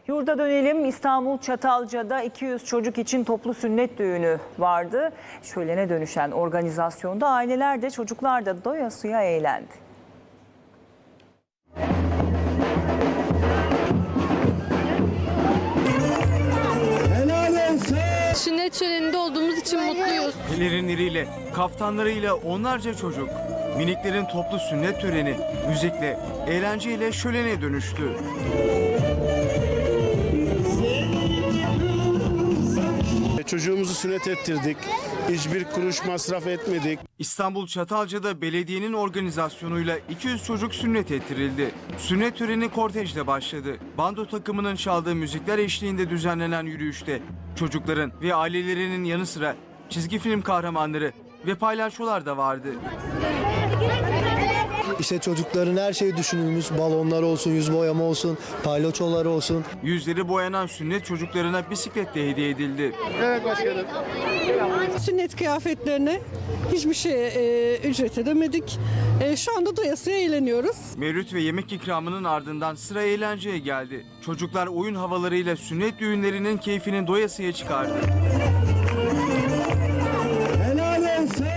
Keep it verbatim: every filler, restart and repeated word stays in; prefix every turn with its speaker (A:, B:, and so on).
A: Yurda dönelim. İstanbul Çatalca'da iki yüz çocuk için toplu sünnet düğünü vardı. Şölene dönüşen organizasyonda aileler de çocuklar da doyasıya eğlendi.
B: Sünnet şöleninde olduğumuz için mutluyuz.
C: Pelerinleriyle, kaftanlarıyla onlarca çocuk. Miniklerin toplu sünnet töreni müzikle, eğlenceyle şölene dönüştü.
D: Çocuğumuzu sünnet ettirdik. Hiçbir kuruş masraf etmedik.
C: İstanbul Çatalca'da belediyenin organizasyonuyla iki yüz çocuk sünnet ettirildi. Sünnet töreni kortejle başladı. Bando takımının çaldığı müzikler eşliğinde düzenlenen yürüyüşte çocukların ve ailelerinin yanı sıra çizgi film kahramanları ve palyaçolar da vardı.
E: İşte çocukların her şeyi düşünülmüş, balonlar olsun, yüz boyama olsun, palyaçolar olsun.
C: Yüzleri boyanan sünnet çocuklarına bisiklet de hediye edildi.
D: Evet başkanım.
F: Sünnet kıyafetlerine hiçbir şey e, ücret edemedik. E, şu anda doyasıya eğleniyoruz.
C: Mevlüt ve yemek ikramının ardından sıra eğlenceye geldi. Çocuklar oyun havalarıyla sünnet düğünlerinin keyfini doyasıya çıkardı.